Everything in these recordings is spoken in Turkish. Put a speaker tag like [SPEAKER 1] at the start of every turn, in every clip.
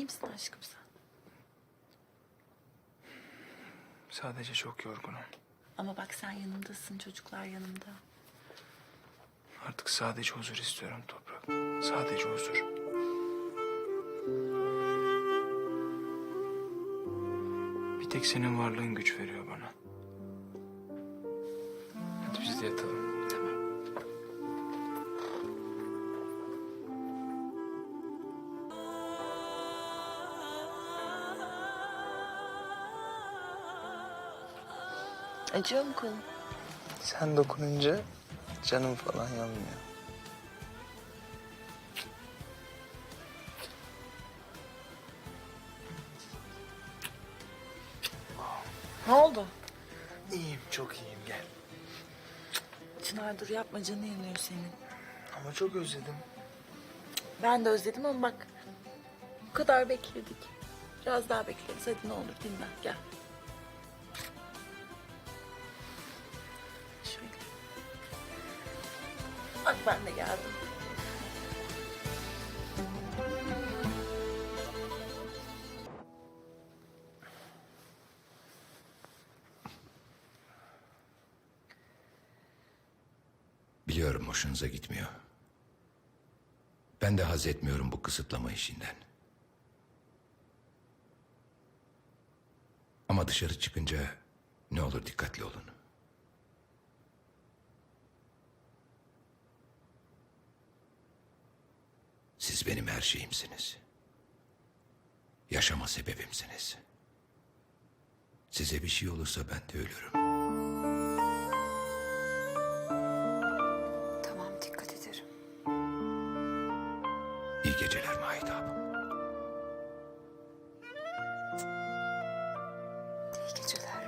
[SPEAKER 1] İyi misin aşkım sen?
[SPEAKER 2] Sadece çok yorgunum.
[SPEAKER 1] Ama bak sen yanımdasın, çocuklar yanımda.
[SPEAKER 2] Artık sadece huzur istiyorum Toprak. Sadece huzur. Bir tek senin varlığın güç veriyor bana. Hadi biz de yatalım.
[SPEAKER 1] Tamam. Acıyor mu kolun?
[SPEAKER 2] Sen dokununca canım falan yanmıyor.
[SPEAKER 1] Ne oldu?
[SPEAKER 2] İyiyim, çok iyiyim. Gel.
[SPEAKER 1] Çınar dur yapma, canı yanıyor senin.
[SPEAKER 2] Ama çok özledim.
[SPEAKER 1] Ben de özledim ama bak bu kadar bekledik. Biraz daha bekleriz. Hadi ne olur dinlen gel. Şöyle. Bak ben de geldim.
[SPEAKER 3] Biliyorum hoşunuza gitmiyor. Ben de haz etmiyorum bu kısıtlama işinden. Ama dışarı çıkınca ne olur dikkatli olun. Siz benim her şeyimsiniz. Yaşama sebebimsiniz. Size bir şey olursa ben de ölürüm.
[SPEAKER 4] Tamam, dikkat ederim.
[SPEAKER 3] İyi geceler Mahidap.
[SPEAKER 4] İyi geceler.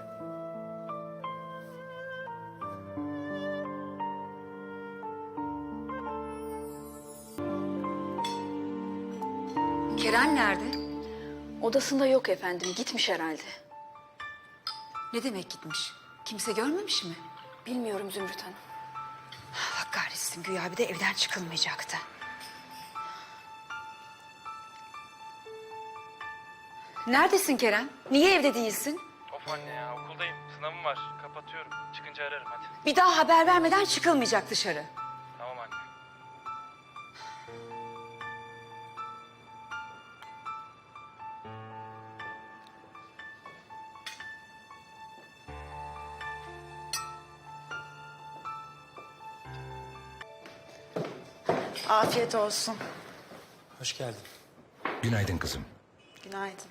[SPEAKER 4] Kerem nerede?
[SPEAKER 5] Odasında yok efendim. Gitmiş herhalde.
[SPEAKER 4] Ne demek gitmiş? Kimse görmemiş mi?
[SPEAKER 5] Bilmiyorum Zümrüt Hanım.
[SPEAKER 4] Allah kahretsin, güya bir de evden çıkılmayacaktı. Neredesin Kerem? Niye evde değilsin?
[SPEAKER 2] Of anne ya, okuldayım. Sınavım var. Kapatıyorum. Çıkınca ararım hadi.
[SPEAKER 4] Bir daha haber vermeden çıkılmayacak dışarı.
[SPEAKER 2] Tamam anne.
[SPEAKER 1] Afiyet olsun.
[SPEAKER 2] Hoş geldin.
[SPEAKER 3] Günaydın kızım.
[SPEAKER 1] Günaydın.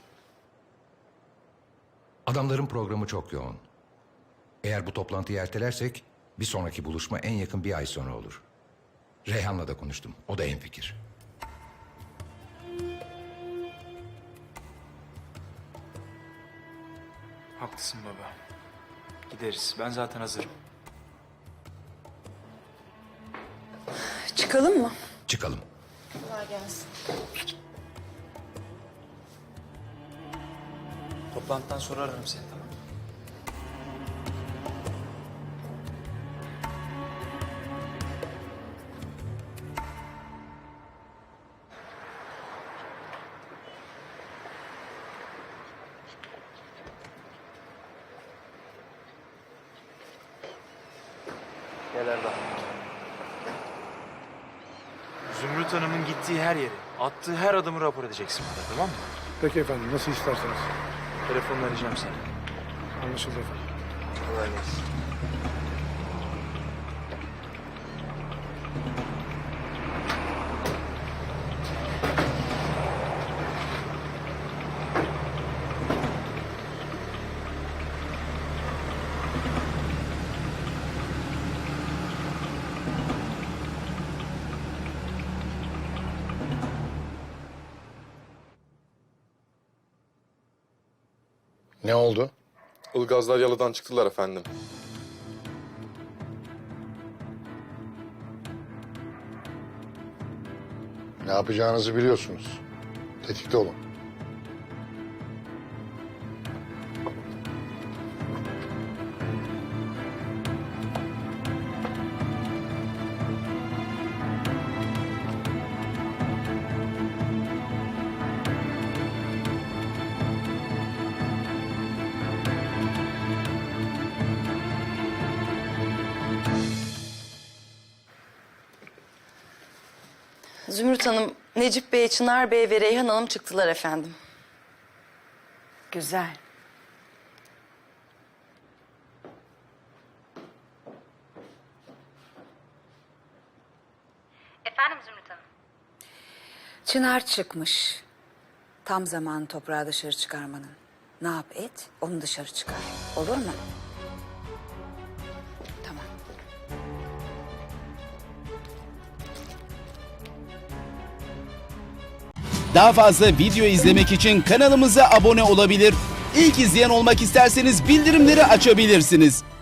[SPEAKER 3] Adamların programı çok yoğun. Eğer bu toplantıyı ertelersek bir sonraki buluşma en yakın bir ay sonra olur. Reyhan'la da konuştum. O da hemfikir.
[SPEAKER 2] Haklısın baba. Gideriz. Ben zaten hazırım.
[SPEAKER 4] Çıkalım mı?
[SPEAKER 3] Çıkalım.
[SPEAKER 1] Kolay gelsin.
[SPEAKER 2] Toplantıdan sonra ararım seni, tamam mı? Gel Erdal. Zümrüt Hanım'ın gittiği her yeri, attığı her adımı rapor edeceksin bana, tamam mı?
[SPEAKER 6] Peki efendim, nasıl isterseniz.
[SPEAKER 2] Telefonla arayacağım seni.
[SPEAKER 6] Anlaşıldı efendim.
[SPEAKER 2] Kolay gelsin.
[SPEAKER 6] Ne oldu?
[SPEAKER 7] Ilgazlar yalıdan çıktılar efendim.
[SPEAKER 6] Ne yapacağınızı biliyorsunuz. Tetikte olun.
[SPEAKER 8] Zümrüt Hanım, Necip Bey, Çınar Bey ve Reyhan Hanım çıktılar efendim.
[SPEAKER 4] Güzel.
[SPEAKER 9] Efendim Zümrüt Hanım.
[SPEAKER 4] Çınar çıkmış. Tam zamanı toprağı dışarı çıkarmanın. Ne yap et, onu dışarı çıkar. Olur mu? Tamam.
[SPEAKER 10] Daha fazla video izlemek için kanalımıza abone olabilir. İlk izleyen olmak isterseniz bildirimleri açabilirsiniz.